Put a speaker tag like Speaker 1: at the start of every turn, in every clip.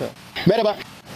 Speaker 1: Merhaba.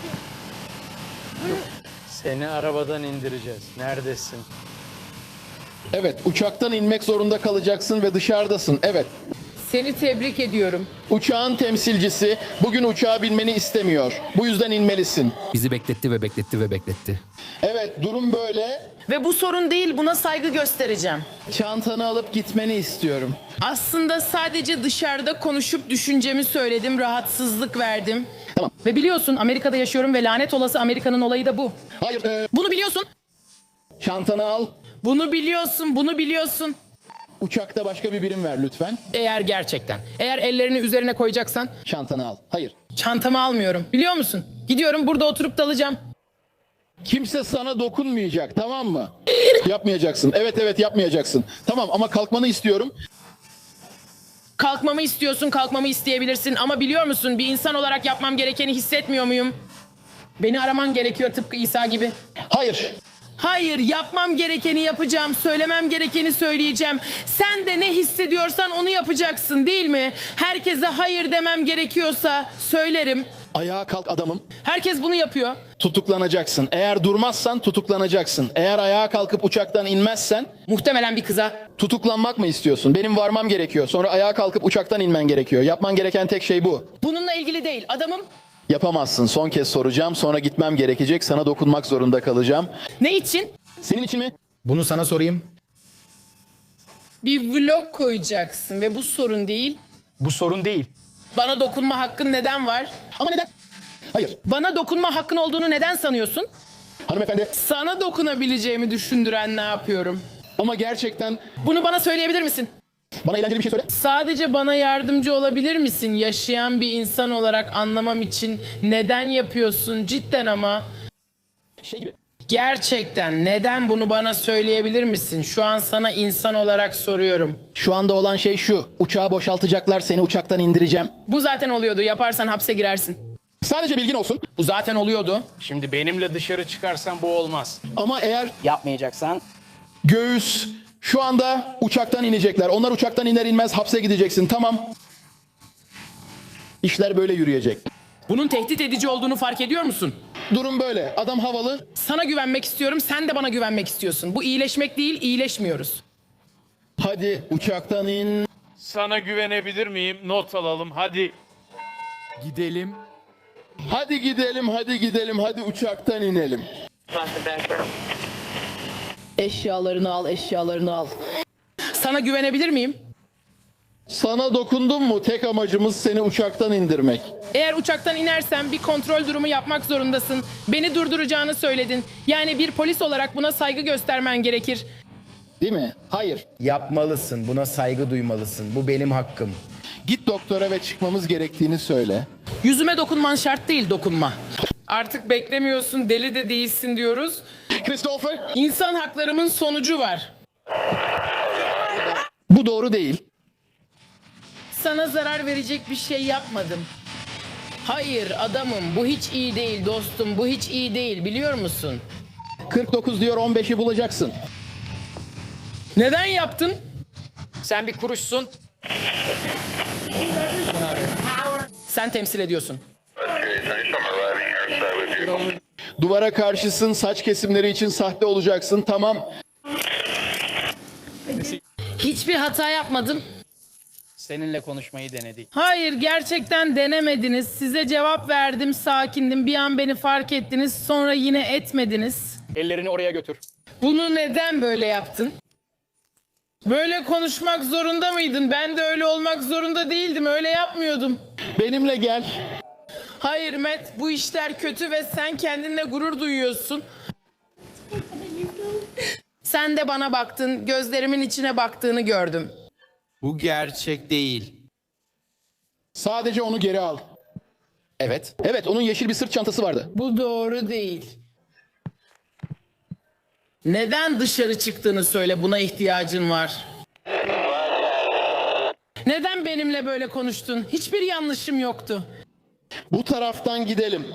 Speaker 2: Seni arabadan indireceğiz. Neredesin?
Speaker 1: Evet, uçaktan inmek zorunda kalacaksın ve dışarıdasın. Evet.
Speaker 3: Seni tebrik ediyorum.
Speaker 1: Uçağın temsilcisi bugün uçağa binmeni istemiyor. Bu yüzden inmelisin.
Speaker 4: Bizi bekletti ve bekletti ve bekletti.
Speaker 1: Evet, durum böyle.
Speaker 3: Ve bu sorun değil, buna saygı göstereceğim.
Speaker 1: Çantanı alıp gitmeni istiyorum.
Speaker 3: Aslında sadece dışarıda konuşup düşüncemi söyledim, rahatsızlık verdim.
Speaker 1: Tamam.
Speaker 3: Ve biliyorsun Amerika'da yaşıyorum ve lanet olası Amerika'nın olayı da bu.
Speaker 1: Hayır,
Speaker 3: Bunu biliyorsun.
Speaker 1: çantanı al.
Speaker 3: Bunu biliyorsun, bunu biliyorsun.
Speaker 1: Uçakta başka bir birim ver lütfen.
Speaker 3: Eğer ellerini üzerine koyacaksan
Speaker 1: Çantanı al. Hayır.
Speaker 3: çantamı almıyorum. Biliyor musun? Gidiyorum burada oturup dalacağım.
Speaker 1: Kimse sana dokunmayacak, tamam mı? Yapmayacaksın. Evet yapmayacaksın. Tamam ama kalkmanı istiyorum.
Speaker 3: Kalkmamı istiyorsun, kalkmamı isteyebilirsin ama biliyor musun bir insan olarak yapmam gerekeni hissetmiyor muyum? Beni araman gerekiyor tıpkı İsa gibi.
Speaker 1: Hayır.
Speaker 3: Hayır, yapmam gerekeni yapacağım, söylemem gerekeni söyleyeceğim. Sen de ne hissediyorsan onu yapacaksın, değil mi? Herkese hayır demem gerekiyorsa söylerim.
Speaker 1: Ayağa kalk adamım.
Speaker 3: Herkes bunu yapıyor.
Speaker 1: Tutuklanacaksın. Eğer durmazsan tutuklanacaksın. Eğer ayağa kalkıp uçaktan inmezsen
Speaker 3: Muhtemelen bir kıza.
Speaker 1: tutuklanmak mı istiyorsun? Benim varmam gerekiyor. Sonra ayağa kalkıp uçaktan inmen gerekiyor. Yapman gereken tek şey bu.
Speaker 3: Bununla ilgili değil, adamım.
Speaker 1: Yapamazsın. Son kez soracağım. Sonra gitmem gerekecek. Sana dokunmak zorunda kalacağım.
Speaker 3: Ne için?
Speaker 1: Senin için mi?
Speaker 4: Bunu sana sorayım.
Speaker 3: Bir vlog koyacaksın ve bu sorun değil.
Speaker 4: Bu sorun değil.
Speaker 3: Bana dokunma hakkın neden var?
Speaker 1: Ama neden? Hayır.
Speaker 3: Bana dokunma hakkın olduğunu neden sanıyorsun?
Speaker 1: Hanımefendi.
Speaker 3: Sana dokunabileceğimi düşündüren ne yapıyorum?
Speaker 1: Ama gerçekten
Speaker 3: Bunu bana söyleyebilir misin?
Speaker 1: bana eğlenceli bir şey söyle.
Speaker 3: Sadece bana yardımcı olabilir misin? Yaşayan bir insan olarak anlamam için neden yapıyorsun cidden ama?
Speaker 1: Şey gibi.
Speaker 3: Gerçekten neden bunu bana söyleyebilir misin? Şu an sana insan olarak soruyorum.
Speaker 1: Şu anda olan şey şu. Uçağı boşaltacaklar. Seni uçaktan indireceğim.
Speaker 3: Bu zaten oluyordu. Yaparsan hapse girersin.
Speaker 1: Sadece bilgin olsun.
Speaker 3: Bu zaten oluyordu.
Speaker 2: Şimdi benimle dışarı çıkarsan bu olmaz.
Speaker 1: Ama eğer
Speaker 3: Yapmayacaksan.
Speaker 1: göğüs şu anda uçaktan inecekler. Onlar uçaktan iner inmez hapse gideceksin. Tamam. İşler böyle yürüyecek.
Speaker 3: Bunun tehdit edici olduğunu fark ediyor musun?
Speaker 1: Durum böyle. Adam havalı.
Speaker 3: Sana güvenmek istiyorum, sen de bana güvenmek istiyorsun. Bu iyileşmek değil, iyileşmiyoruz.
Speaker 1: Hadi uçaktan in.
Speaker 2: Sana güvenebilir miyim? Not alalım hadi.
Speaker 4: Gidelim.
Speaker 1: Hadi gidelim, hadi gidelim, hadi uçaktan inelim.
Speaker 3: Eşyalarını al, eşyalarını al. Sana güvenebilir miyim?
Speaker 1: Sana dokundum mu? Tek amacımız seni uçaktan indirmek.
Speaker 3: Eğer uçaktan inersen bir kontrol durumu yapmak zorundasın. Beni durduracağını söyledin. Yani bir polis olarak buna saygı göstermen gerekir.
Speaker 1: Değil mi? Hayır.
Speaker 5: Yapmalısın, buna saygı duymalısın. Bu benim hakkım.
Speaker 1: Git doktora ve çıkmamız gerektiğini söyle.
Speaker 3: Yüzüme dokunman şart değil, dokunma. Artık beklemiyorsun, deli de değilsin diyoruz.
Speaker 1: Christopher,
Speaker 3: İnsan haklarımın sonucu var.
Speaker 1: bu doğru değil.
Speaker 3: Sana zarar verecek bir şey yapmadım. Hayır adamım, bu hiç iyi değil dostum, bu hiç iyi değil biliyor musun?
Speaker 1: 49 diyor, 15'i bulacaksın.
Speaker 3: Neden yaptın?
Speaker 2: Sen bir kuruşsun.
Speaker 3: Sen temsil ediyorsun.
Speaker 1: Duvara karşısın, saç kesimleri için sahte olacaksın. Tamam.
Speaker 3: Hiçbir hata yapmadım.
Speaker 2: Seninle konuşmayı denedik.
Speaker 3: Hayır gerçekten denemediniz. Size cevap verdim, sakindim. Bir an beni fark ettiniz, sonra yine etmediniz.
Speaker 2: Ellerini oraya götür.
Speaker 3: Bunu neden böyle yaptın? Böyle konuşmak zorunda mıydın? Ben de öyle olmak zorunda değildim. Öyle yapmıyordum.
Speaker 1: Benimle gel.
Speaker 3: Hayır Matt, bu işler kötü ve sen kendinle gurur duyuyorsun. Sen de bana baktın, gözlerimin içine baktığını gördüm.
Speaker 4: Bu gerçek değil.
Speaker 1: Sadece onu geri al. Evet. Evet, onun yeşil bir sırt çantası vardı.
Speaker 3: Bu doğru değil. Neden dışarı çıktığını söyle, buna ihtiyacın var. Neden benimle böyle konuştun? Hiçbir yanlışım yoktu.
Speaker 1: Bu taraftan gidelim.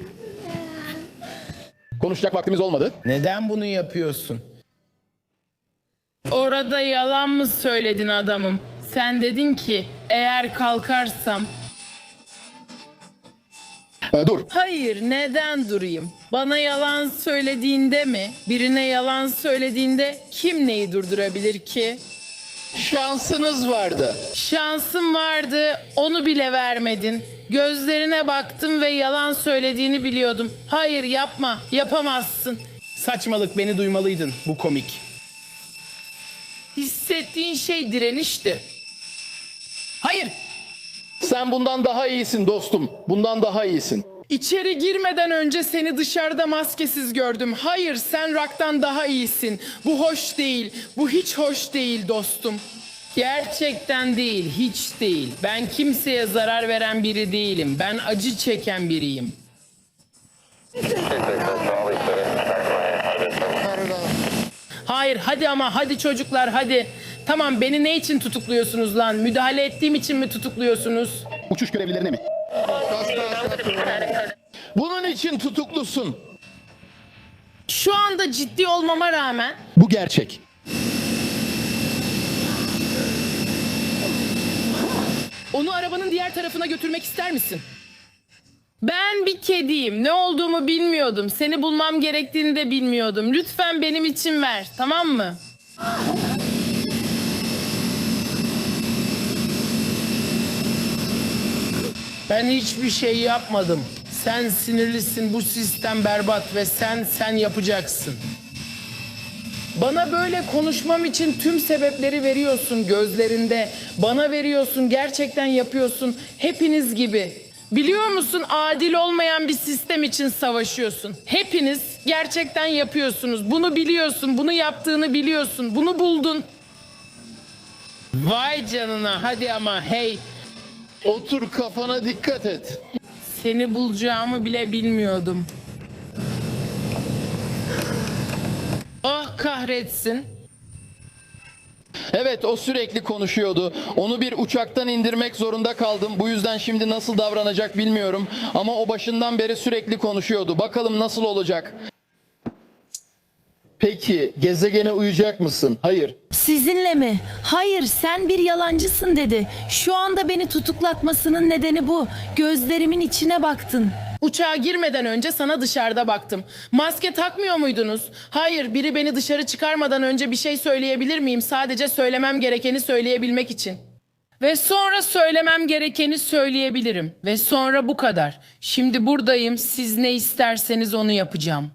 Speaker 1: Konuşacak vaktimiz olmadı.
Speaker 5: Neden bunu yapıyorsun?
Speaker 3: Orada yalan mı söyledin adamım? Sen dedin ki eğer kalkarsam
Speaker 1: Dur.
Speaker 3: Hayır, neden durayım? Bana yalan söylediğinde mi? Birine yalan söylediğinde kim neyi durdurabilir ki?
Speaker 1: Şansınız vardı.
Speaker 3: Şansım vardı, onu bile vermedin. Gözlerine baktım ve yalan söylediğini biliyordum. Hayır, yapma, yapamazsın.
Speaker 5: Saçmalık, beni duymalıydın. Bu komik.
Speaker 3: Hissettiğin şey direnişti.
Speaker 5: Hayır.
Speaker 1: Sen bundan daha iyisin dostum. Bundan daha iyisin.
Speaker 3: İçeri girmeden önce seni dışarıda maskesiz gördüm. Hayır, sen Rock'tan daha iyisin. Bu hoş değil. Bu hiç hoş değil dostum. Gerçekten değil, hiç değil. Ben kimseye zarar veren biri değilim. Ben acı çeken biriyim. Hayır, hadi ama hadi çocuklar, hadi. Tamam, beni ne için tutukluyorsunuz lan? Müdahale ettiğim için mi tutukluyorsunuz?
Speaker 1: Uçuş görevlilerine mi? Bunun için tutuklusun.
Speaker 3: Şu anda ciddi olmama rağmen
Speaker 1: Bu gerçek.
Speaker 3: onu arabanın diğer tarafına götürmek ister misin? Ben bir kediyim. Ne olduğumu bilmiyordum. Seni bulmam gerektiğini de bilmiyordum. Lütfen benim için ver, tamam mı? Ben hiçbir şey yapmadım. Sen sinirlisin, bu sistem berbat ve sen yapacaksın. Bana böyle konuşmam için tüm sebepleri veriyorsun gözlerinde. Bana veriyorsun, gerçekten yapıyorsun. Hepiniz gibi. Biliyor musun, adil olmayan bir sistem için savaşıyorsun. Hepiniz gerçekten yapıyorsunuz. Bunu biliyorsun, bunu yaptığını biliyorsun. Bunu buldun. Vay canına, hadi ama hey.
Speaker 1: Otur, kafana dikkat et.
Speaker 3: Seni bulacağımı bile bilmiyordum. Oh kahretsin.
Speaker 1: Evet, o sürekli konuşuyordu. Onu bir uçaktan indirmek zorunda kaldım. Bu yüzden şimdi nasıl davranacak bilmiyorum. Ama o başından beri sürekli konuşuyordu. Bakalım nasıl olacak? Peki, gezegene uyacak mısın? Hayır.
Speaker 6: Sizinle mi? Hayır, sen bir yalancısın dedi. Şu anda beni tutuklatmasının nedeni bu. Gözlerimin içine baktın.
Speaker 3: Uçağa girmeden önce sana dışarıda baktım. Maske takmıyor muydunuz? Hayır, biri beni dışarı çıkarmadan önce bir şey söyleyebilir miyim? Sadece söylemem gerekeni söyleyebilmek için. Ve sonra söylemem gerekeni söyleyebilirim. Ve sonra bu kadar. Şimdi buradayım. Siz ne isterseniz onu yapacağım.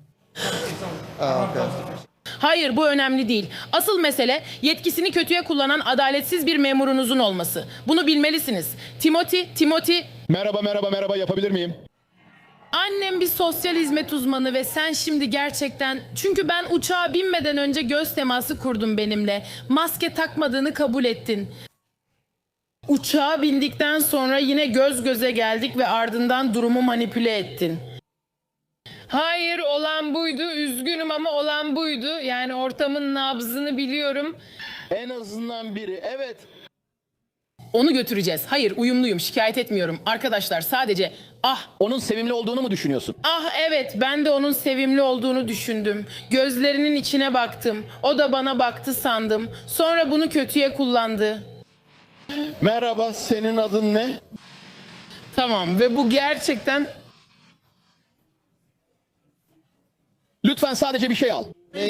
Speaker 3: Hayır, bu önemli değil. Asıl mesele yetkisini kötüye kullanan adaletsiz bir memurunuzun olması. Bunu bilmelisiniz. Timothy,
Speaker 1: Merhaba, yapabilir miyim?
Speaker 3: annem bir sosyal hizmet uzmanı ve sen şimdi gerçekten... Çünkü ben uçağa binmeden önce göz teması kurdum benimle. Maske takmadığını kabul ettin. Uçağa bindikten sonra yine göz göze geldik ve ardından durumu manipüle ettin. Hayır, olan buydu. Üzgünüm ama olan buydu. Yani ortamın nabzını biliyorum.
Speaker 1: En azından biri, evet.
Speaker 3: Onu götüreceğiz. Hayır, uyumluyum. Şikayet etmiyorum. Arkadaşlar sadece
Speaker 1: Onun sevimli olduğunu mu düşünüyorsun?
Speaker 3: evet, ben de onun sevimli olduğunu düşündüm. Gözlerinin içine baktım. O da bana baktı sandım. Sonra bunu kötüye kullandı.
Speaker 1: Merhaba, senin adın ne?
Speaker 3: Tamam ve bu gerçekten...
Speaker 1: Lütfen sadece bir şey al.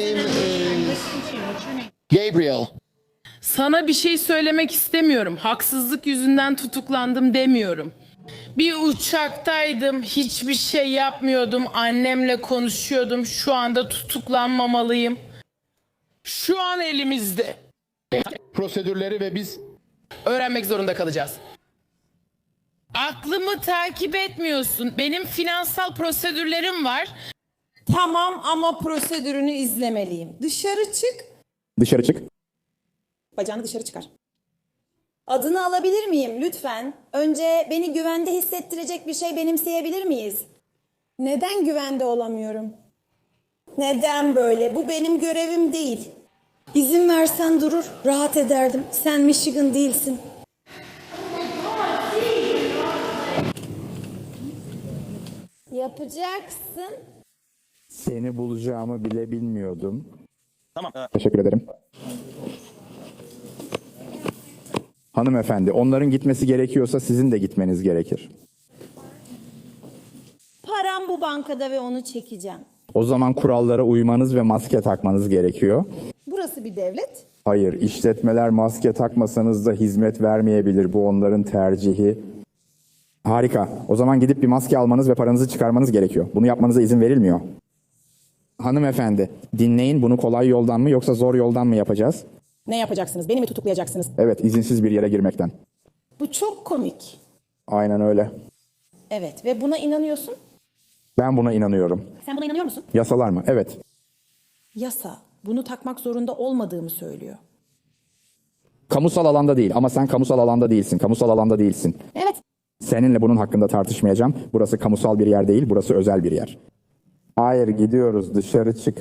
Speaker 1: Gabriel.
Speaker 3: Sana bir şey söylemek istemiyorum. Haksızlık yüzünden tutuklandım demiyorum. Bir uçaktaydım, hiçbir şey yapmıyordum, annemle konuşuyordum. Şu anda tutuklanmamalıyım. Şu an elimizde.
Speaker 1: Prosedürleri ve biz...
Speaker 3: Öğrenmek zorunda kalacağız. Aklımı takip etmiyorsun. Benim finansal prosedürlerim var.
Speaker 7: Tamam ama prosedürünü izlemeliyim. Dışarı çık.
Speaker 8: Dışarı çık.
Speaker 7: Bacağını dışarı çıkar. Adını alabilir miyim lütfen? Önce beni güvende hissettirecek bir şey benimseyebilir miyiz? Neden güvende olamıyorum? Neden böyle? Bu benim görevim değil. İzin versen durur, rahat ederdim. Sen Michigan değilsin. Yapacaksın.
Speaker 8: Seni bulacağımı bile bilmiyordum. Tamam. Teşekkür ederim. Hanımefendi, onların gitmesi gerekiyorsa sizin de gitmeniz gerekir.
Speaker 7: Param bu bankada ve onu çekeceğim.
Speaker 8: O zaman kurallara uymanız ve maske takmanız gerekiyor.
Speaker 7: Burası bir devlet.
Speaker 8: Hayır, işletmeler maske takmasanız da hizmet vermeyebilir. Bu onların tercihi. Harika. O zaman gidip bir maske almanız ve paranızı çıkarmanız gerekiyor. Bunu yapmanıza izin verilmiyor. Hanımefendi, dinleyin, bunu kolay yoldan mı yoksa zor yoldan mı yapacağız?
Speaker 7: Ne yapacaksınız? Beni mi tutuklayacaksınız?
Speaker 8: Evet, izinsiz bir yere girmekten.
Speaker 7: Bu çok komik.
Speaker 8: Aynen öyle.
Speaker 7: Evet ve buna inanıyorsun.
Speaker 8: Ben buna inanıyorum.
Speaker 7: Sen buna inanıyor musun?
Speaker 8: Yasalar mı? Evet.
Speaker 7: Yasa bunu takmak zorunda olmadığımı söylüyor.
Speaker 8: Kamusal alanda değil ama sen kamusal alanda değilsin. Kamusal alanda değilsin.
Speaker 7: Evet.
Speaker 8: Seninle bunun hakkında tartışmayacağım. Burası kamusal bir yer değil, burası özel bir yer. Hayır, gidiyoruz. Dışarı çık.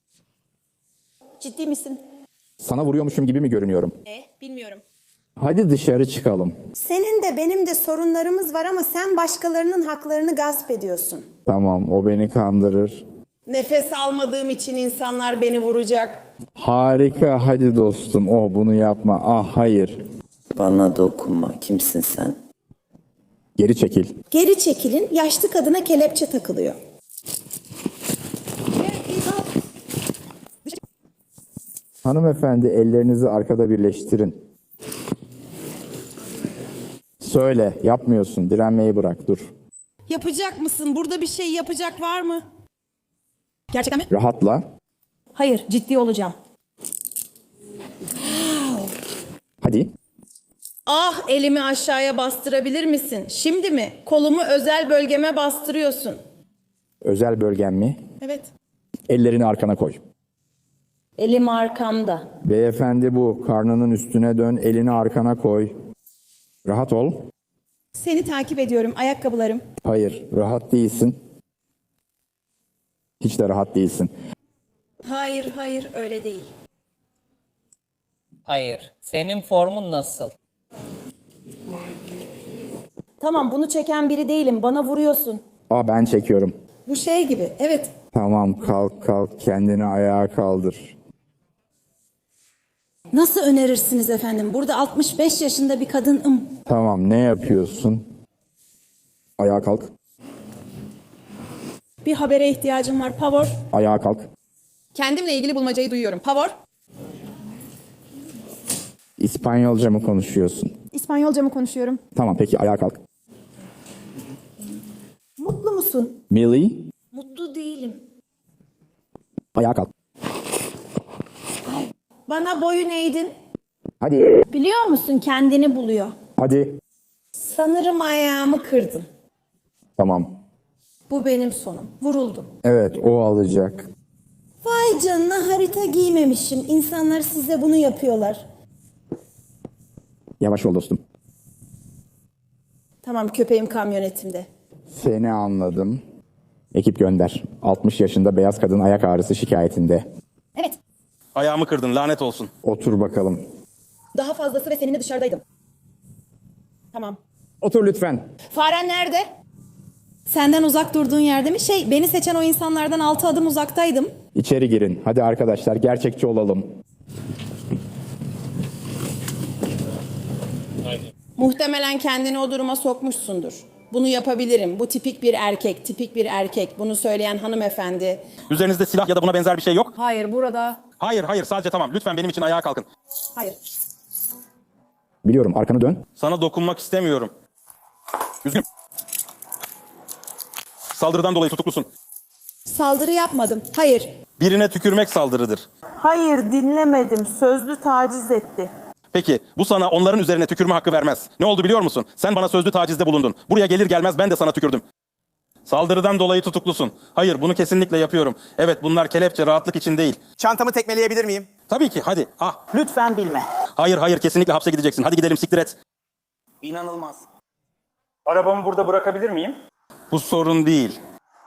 Speaker 7: Ciddi misin?
Speaker 8: Sana vuruyormuşum gibi mi görünüyorum?
Speaker 7: Bilmiyorum.
Speaker 8: Hadi dışarı çıkalım.
Speaker 7: Senin de benim de sorunlarımız var ama sen başkalarının haklarını gasp ediyorsun.
Speaker 8: Tamam, o beni kandırır.
Speaker 7: Nefes almadığım için insanlar beni vuracak.
Speaker 8: Harika, hadi dostum. Bunu yapma. Ah, hayır.
Speaker 7: Bana dokunma. Kimsin sen?
Speaker 8: Geri çekil.
Speaker 7: Geri çekilin. Yaşlı kadına kelepçe takılıyor.
Speaker 8: Hanımefendi, ellerinizi arkada birleştirin. Söyle, yapmıyorsun. Direnmeyi bırak, dur.
Speaker 7: Yapacak mısın? Burada bir şey yapacak var mı? Gerçekten mi?
Speaker 8: Rahatla.
Speaker 7: Hayır, ciddi olacağım.
Speaker 8: Hadi.
Speaker 7: Ah, elimi aşağıya bastırabilir misin? Şimdi mi? Kolumu özel bölgeme bastırıyorsun.
Speaker 8: Özel bölgen mi?
Speaker 7: Evet.
Speaker 8: Ellerini arkana koy.
Speaker 7: Elim arkamda.
Speaker 8: Beyefendi bu. Karnının üstüne dön, elini arkana koy. Rahat ol.
Speaker 7: Seni takip ediyorum. Ayakkabılarım.
Speaker 8: Hayır, rahat değilsin. Hiç de rahat değilsin.
Speaker 7: Hayır, öyle değil.
Speaker 9: Hayır. Senin formun nasıl?
Speaker 7: Tamam, bunu çeken biri değilim. Bana vuruyorsun.
Speaker 8: Ben çekiyorum.
Speaker 7: Bu şey gibi. Evet.
Speaker 8: Tamam, kalk, kendini ayağa kaldır.
Speaker 7: Nasıl önerirsiniz efendim? Burada 65 yaşında bir kadınım.
Speaker 8: Tamam, ne yapıyorsun? Ayağa kalk,
Speaker 7: Bir habere ihtiyacım var. Pavor.
Speaker 8: ayağa kalk.
Speaker 7: Kendimle ilgili bulmacayı duyuyorum. Pavor.
Speaker 8: İspanyolca mı konuşuyorsun?
Speaker 7: İspanyolca mı konuşuyorum?
Speaker 8: Tamam, peki ayağa kalk.
Speaker 7: Mutlu musun?
Speaker 8: Millie,
Speaker 7: Mutlu değilim.
Speaker 8: ayağa kalk.
Speaker 7: Bana boyun eğdin.
Speaker 8: Hadi,
Speaker 7: Biliyor musun kendini buluyor.
Speaker 8: hadi.
Speaker 7: Sanırım ayağımı kırdın.
Speaker 8: Tamam.
Speaker 7: Bu benim sonum. Vuruldum.
Speaker 8: Evet, o alacak.
Speaker 7: Vay canına harita giymemişim. İnsanlar size bunu yapıyorlar.
Speaker 8: Yavaş ol dostum.
Speaker 7: Tamam köpeğim kamyonetimde.
Speaker 8: Seni anladım. Ekip gönder. 60 yaşında beyaz kadın ayak ağrısı şikayetinde.
Speaker 7: Evet.
Speaker 10: Ayağımı kırdın, lanet olsun.
Speaker 8: Otur bakalım.
Speaker 7: Daha fazlası ve seninle dışarıdaydım. Tamam.
Speaker 8: Otur lütfen.
Speaker 7: Faren nerede? Senden uzak durduğun yerde mi? Beni seçen o insanlardan 6 adım uzaktaydım.
Speaker 8: İçeri girin. Hadi arkadaşlar, gerçekçi olalım.
Speaker 7: Muhtemelen kendini o duruma sokmuşsundur. Bunu yapabilirim. Bu tipik bir erkek, tipik bir erkek. Bunu söyleyen hanımefendi.
Speaker 10: Üzerinizde silah ya da buna benzer bir şey yok.
Speaker 7: Hayır, burada.
Speaker 10: Hayır, sadece tamam. Lütfen benim için ayağa kalkın.
Speaker 7: Hayır.
Speaker 8: Biliyorum, arkanı dön.
Speaker 10: Sana dokunmak istemiyorum. Üzgünüm. Saldırıdan dolayı tutuklusun.
Speaker 7: Saldırı yapmadım. Hayır.
Speaker 10: Birine tükürmek saldırıdır.
Speaker 11: Hayır, dinlemedim. Sözlü taciz etti.
Speaker 10: Peki, bu sana onların üzerine tükürme hakkı vermez. Ne oldu biliyor musun? Sen bana sözlü tacizde bulundun. Buraya gelir gelmez ben de sana tükürdüm. Saldırıdan dolayı tutuklusun. Hayır, bunu kesinlikle yapıyorum. Evet, bunlar kelepçe, rahatlık için değil.
Speaker 12: Çantamı tekmeleyebilir miyim?
Speaker 10: Tabii ki, hadi.
Speaker 11: Lütfen bilme.
Speaker 10: Hayır, kesinlikle hapse gideceksin. Hadi gidelim, siktir et.
Speaker 12: İnanılmaz.
Speaker 10: Arabamı burada bırakabilir miyim? Bu sorun değil.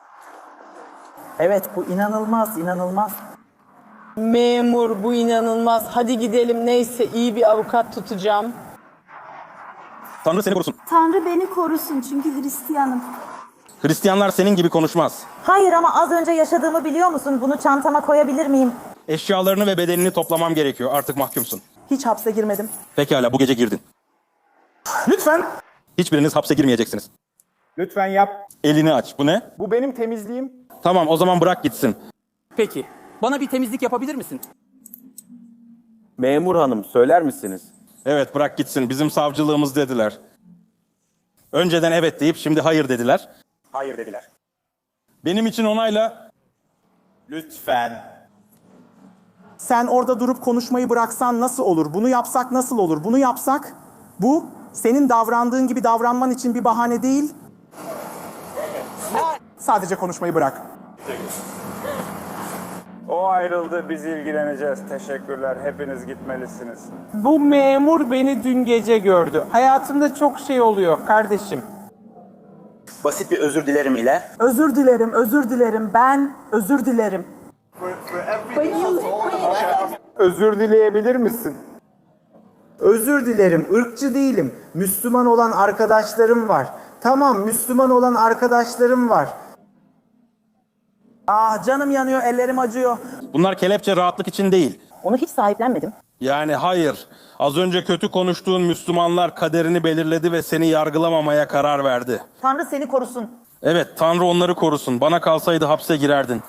Speaker 11: Evet, bu inanılmaz. Memur, bu inanılmaz. Hadi gidelim, neyse iyi bir avukat tutacağım.
Speaker 10: Tanrı seni korusun.
Speaker 7: Tanrı beni korusun çünkü Hristiyanım.
Speaker 10: Hristiyanlar senin gibi konuşmaz.
Speaker 11: Hayır ama az önce yaşadığımı biliyor musun? Bunu çantama koyabilir miyim?
Speaker 10: Eşyalarını ve bedenini toplamam gerekiyor. Artık mahkumsun.
Speaker 11: Hiç hapse girmedim.
Speaker 10: Pekala, bu gece girdin.
Speaker 11: Lütfen.
Speaker 10: Hiçbiriniz hapse girmeyeceksiniz.
Speaker 12: Lütfen yap.
Speaker 10: Elini aç. Bu ne?
Speaker 12: Bu benim temizliğim.
Speaker 10: Tamam, o zaman bırak gitsin.
Speaker 12: Peki. Bana bir temizlik yapabilir misin? Memur hanım, söyler misiniz?
Speaker 10: Evet, bırak gitsin. Bizim savcılığımız dediler. Önceden evet deyip şimdi hayır dediler.
Speaker 12: Hayır dediler.
Speaker 10: Benim için onayla.
Speaker 12: Lütfen. Sen orada durup konuşmayı bıraksan nasıl olur? Bunu yapsak nasıl olur? Bunu yapsak bu senin davrandığın gibi davranman için bir bahane değil. Sadece konuşmayı bırak.
Speaker 13: O ayrıldı, biz ilgileneceğiz. Teşekkürler, hepiniz gitmelisiniz.
Speaker 11: Bu memur beni dün gece gördü. Hayatımda çok şey oluyor kardeşim.
Speaker 12: Basit bir özür dilerim ile.
Speaker 11: Özür dilerim, özür dilerim. Ben özür dilerim.
Speaker 12: Özür dileyebilir misin? Özür dilerim, ırkçı değilim. Müslüman olan arkadaşlarım var. Tamam, Müslüman olan arkadaşlarım var. Ah, canım yanıyor, ellerim acıyor.
Speaker 10: Bunlar kelepçe rahatlık için değil.
Speaker 7: Onu hiç sahiplenmedim.
Speaker 10: Yani hayır. Az önce kötü konuştuğun Müslümanlar kaderini belirledi ve seni yargılamamaya karar verdi.
Speaker 7: Tanrı seni korusun.
Speaker 10: Evet, Tanrı onları korusun. Bana kalsaydı hapse girerdin.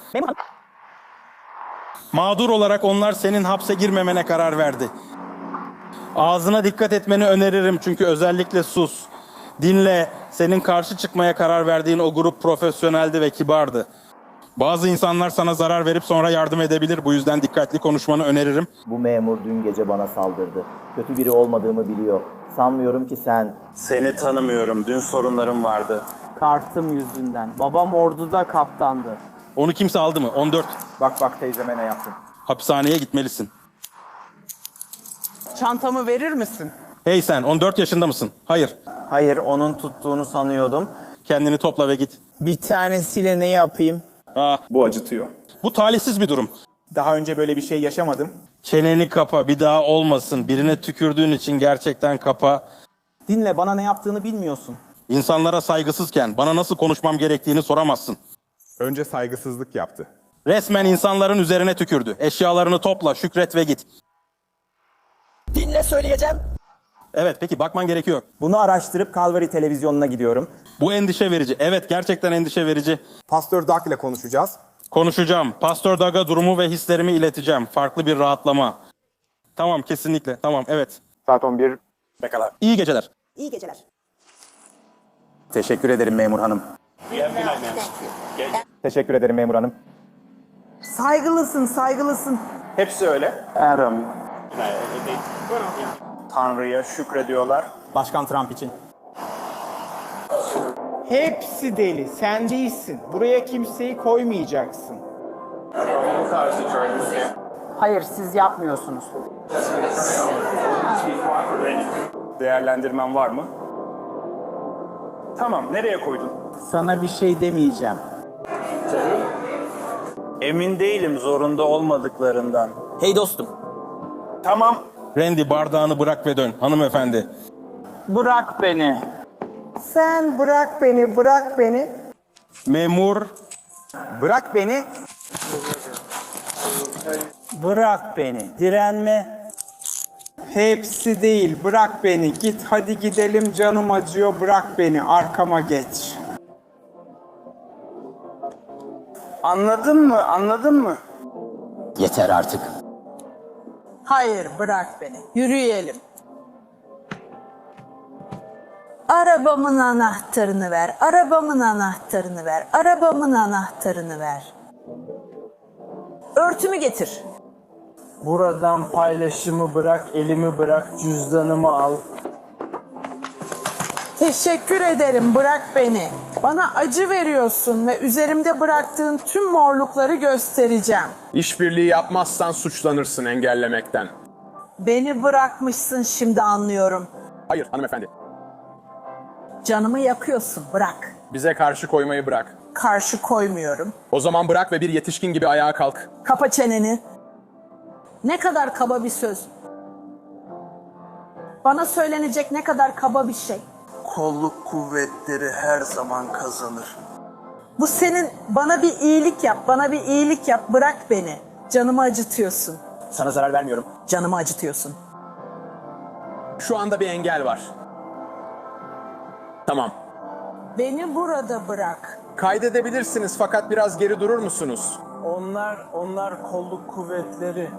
Speaker 10: Mağdur olarak onlar senin hapse girmemene karar verdi. Ağzına dikkat etmeni öneririm çünkü özellikle sus. Dinle, senin karşı çıkmaya karar verdiğin o grup profesyoneldi ve kibardı. Bazı insanlar sana zarar verip sonra yardım edebilir. Bu yüzden dikkatli konuşmanı öneririm.
Speaker 14: Bu memur dün gece bana saldırdı. Kötü biri olmadığımı biliyor. Sanmıyorum ki sen...
Speaker 13: Seni tanımıyorum, dün sorunlarım vardı.
Speaker 11: Kartım yüzünden. Babam orduda kaptandı.
Speaker 10: Onu kimse aldı mı? 14.
Speaker 12: Bak teyzeme ne yaptın.
Speaker 10: Hapishaneye gitmelisin.
Speaker 11: Çantamı verir misin?
Speaker 10: Hey sen, 14 yaşında mısın? Hayır.
Speaker 12: Hayır, onun tuttuğunu sanıyordum.
Speaker 10: Kendini topla ve git.
Speaker 11: Bir tanesiyle ne yapayım?
Speaker 13: Bu acıtıyor.
Speaker 10: Bu talihsiz bir durum.
Speaker 12: Daha önce böyle bir şey yaşamadım.
Speaker 10: Çeneni kapa, bir daha olmasın. Birine tükürdüğün için gerçekten kapa.
Speaker 12: Dinle, bana ne yaptığını bilmiyorsun.
Speaker 10: İnsanlara saygısızken bana nasıl konuşmam gerektiğini soramazsın.
Speaker 13: Önce saygısızlık yaptı.
Speaker 10: Resmen insanların üzerine tükürdü. Eşyalarını topla, şükret ve git.
Speaker 12: Dinle, söyleyeceğim.
Speaker 10: Evet, peki bakman gerekiyor.
Speaker 12: Bunu araştırıp Calvary televizyonuna gidiyorum.
Speaker 10: Bu endişe verici. Evet, gerçekten endişe verici.
Speaker 12: Pastör Doug ile konuşacağız.
Speaker 10: Konuşacağım. Pastör Doug'a durumu ve hislerimi ileteceğim. Farklı bir rahatlama. Tamam, kesinlikle. Tamam, evet.
Speaker 13: Saat 11.
Speaker 12: Pekala.
Speaker 10: İyi geceler.
Speaker 7: İyi geceler.
Speaker 12: Teşekkür ederim memur hanım. Teşekkür ederim memur hanım.
Speaker 11: Saygılısın, saygılısın.
Speaker 13: Hepsi öyle.
Speaker 12: Adam.
Speaker 13: Tanrı'ya şükrediyorlar.
Speaker 12: Başkan Trump için.
Speaker 11: Hepsi deli. Sen değilsin. Buraya kimseyi koymayacaksın. Hayır, siz yapmıyorsunuz.
Speaker 13: Değerlendirmen var mı? Tamam, nereye koydun?
Speaker 11: Sana bir şey demeyeceğim.
Speaker 13: Emin değilim zorunda olmadıklarından.
Speaker 12: Hey dostum.
Speaker 13: Tamam.
Speaker 10: Randy, bardağını bırak ve dön. Hanımefendi.
Speaker 11: Bırak beni. Sen bırak beni, bırak beni.
Speaker 10: Memur.
Speaker 12: Bırak beni.
Speaker 11: Bırak beni. Direnme. Hepsi değil. Bırak beni. Git hadi gidelim. Canım acıyor. Bırak beni. Arkama geç.
Speaker 12: Anladın mı? Anladın mı?
Speaker 14: Yeter artık.
Speaker 11: Hayır, bırak beni. Yürüyelim.
Speaker 6: Arabamın anahtarını ver. Arabamın anahtarını ver. Arabamın anahtarını ver. Örtümü getir.
Speaker 11: Buradan paylaşımı bırak, elimi bırak, cüzdanımı al. Teşekkür ederim, bırak beni. Bana acı veriyorsun ve üzerimde bıraktığın tüm morlukları göstereceğim.
Speaker 13: İşbirliği yapmazsan suçlanırsın engellemekten.
Speaker 6: Beni bırakmışsın, şimdi anlıyorum.
Speaker 13: Hayır hanımefendi.
Speaker 6: Canımı yakıyorsun, bırak.
Speaker 13: Bize karşı koymayı bırak.
Speaker 6: Karşı koymuyorum.
Speaker 13: O zaman bırak ve bir yetişkin gibi ayağa kalk.
Speaker 6: Kapa çeneni. Ne kadar kaba bir söz. Bana söylenecek ne kadar kaba bir şey.
Speaker 12: Kolluk kuvvetleri her zaman kazanır.
Speaker 6: Bu senin, bana bir iyilik yap, bana bir iyilik yap, bırak beni. Canımı acıtıyorsun.
Speaker 12: Sana zarar vermiyorum.
Speaker 6: Canımı acıtıyorsun.
Speaker 13: Şu anda bir engel var. Tamam.
Speaker 3: Beni burada bırak.
Speaker 12: Kaydedebilirsiniz fakat biraz geri durur musunuz?
Speaker 11: Onlar kolluk kuvvetleri.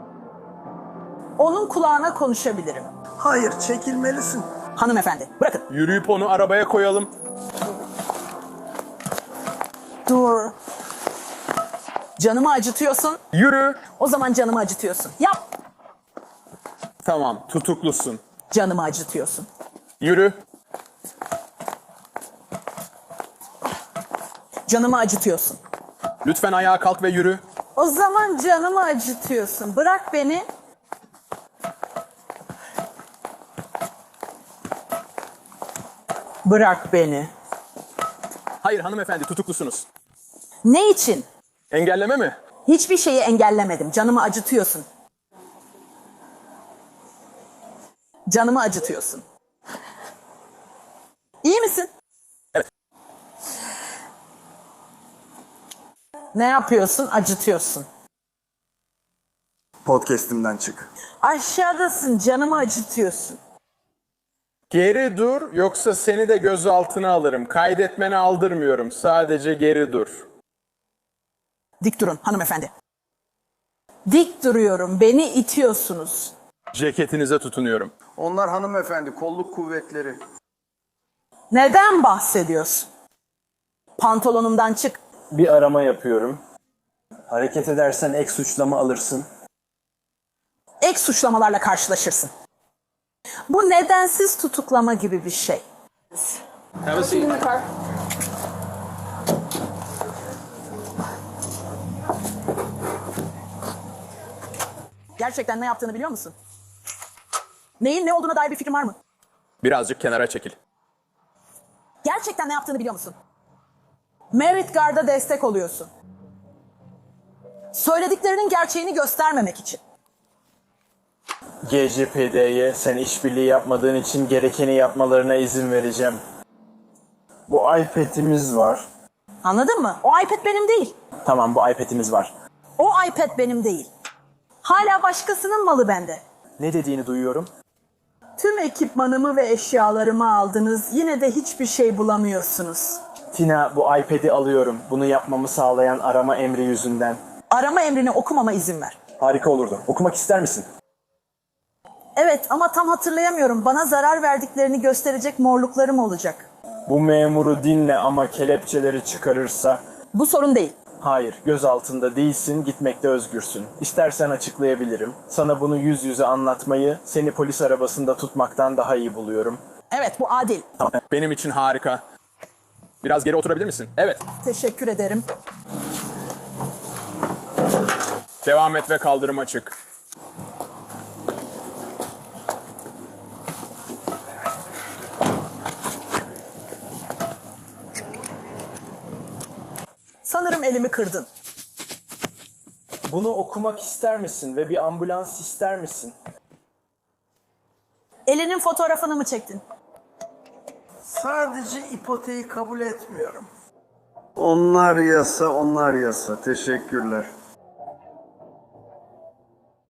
Speaker 3: Onun kulağına konuşabilirim.
Speaker 12: Hayır, çekilmelisin.
Speaker 3: Hanımefendi, bırakın.
Speaker 12: Yürüyüp onu arabaya koyalım.
Speaker 3: Dur. Canımı acıtıyorsun.
Speaker 12: Yürü.
Speaker 3: O zaman canımı acıtıyorsun. Yap.
Speaker 12: Tamam, tutuklusun.
Speaker 3: Canımı acıtıyorsun.
Speaker 12: Yürü.
Speaker 3: Canımı acıtıyorsun.
Speaker 12: Lütfen ayağa kalk ve yürü.
Speaker 3: O zaman canımı acıtıyorsun. Bırak beni. Bırak beni.
Speaker 12: Hayır hanımefendi, tutuklusunuz.
Speaker 3: Ne için?
Speaker 12: Engelleme mi?
Speaker 3: Hiçbir şeyi engellemedim. Canımı acıtıyorsun. Canımı acıtıyorsun. İyi misin?
Speaker 12: Evet.
Speaker 3: Ne yapıyorsun? Acıtıyorsun.
Speaker 12: Podcast'imden çık.
Speaker 3: Aşağıdasın. Canımı acıtıyorsun.
Speaker 12: Geri dur, yoksa seni de gözaltına alırım. Kaydetmeni aldırmıyorum, sadece geri dur.
Speaker 3: Dik durun hanımefendi. Dik duruyorum. Beni itiyorsunuz.
Speaker 12: Ceketinize tutunuyorum.
Speaker 5: Onlar hanımefendi, kolluk kuvvetleri.
Speaker 3: Neden bahsediyorsun? Pantolonumdan çık.
Speaker 11: Bir arama yapıyorum. Hareket edersen ek suçlama alırsın.
Speaker 3: Ek suçlamalarla karşılaşırsın. Bu nedensiz tutuklama gibi bir şey. Gerçekten ne yaptığını biliyor musun? Neyin ne olduğuna dair bir fikrin var mı?
Speaker 12: Birazcık kenara çekil.
Speaker 3: Gerçekten ne yaptığını biliyor musun? Merit Guard'a destek oluyorsun. Söylediklerinin gerçeğini göstermemek için.
Speaker 11: GCPD'ye sen işbirliği yapmadığın için gerekeni yapmalarına izin vereceğim. Bu iPad'imiz var.
Speaker 3: Anladın mı? O iPad benim değil.
Speaker 11: Tamam, bu iPad'imiz var.
Speaker 3: O iPad benim değil. Hala başkasının malı bende.
Speaker 11: Ne dediğini duyuyorum.
Speaker 3: Tüm ekipmanımı ve eşyalarımı aldınız. Yine de hiçbir şey bulamıyorsunuz.
Speaker 11: Tina, bu iPad'i alıyorum. Bunu yapmamı sağlayan arama emri yüzünden.
Speaker 3: Arama emrini okumama izin ver.
Speaker 11: Harika olurdu. Okumak ister misin?
Speaker 3: Evet ama tam hatırlayamıyorum. Bana zarar verdiklerini gösterecek morluklarım olacak.
Speaker 11: Bu memuru dinle ama kelepçeleri çıkarırsa...
Speaker 3: Bu sorun değil.
Speaker 11: Hayır, göz altında değilsin, gitmekte özgürsün. İstersen açıklayabilirim. Sana bunu yüz yüze anlatmayı, seni polis arabasında tutmaktan daha iyi buluyorum.
Speaker 3: Evet, bu adil.
Speaker 12: Tamam. Benim için harika. Biraz geri oturabilir misin? Evet.
Speaker 3: Teşekkür ederim.
Speaker 12: Devam et ve kaldırıma çık.
Speaker 3: Sanırım elimi kırdın.
Speaker 11: Bunu okumak ister misin ve bir ambulans ister misin?
Speaker 3: Elinin fotoğrafını mı çektin?
Speaker 5: Sadece ipoteği kabul etmiyorum. Onlar yasa, onlar yasa. Teşekkürler.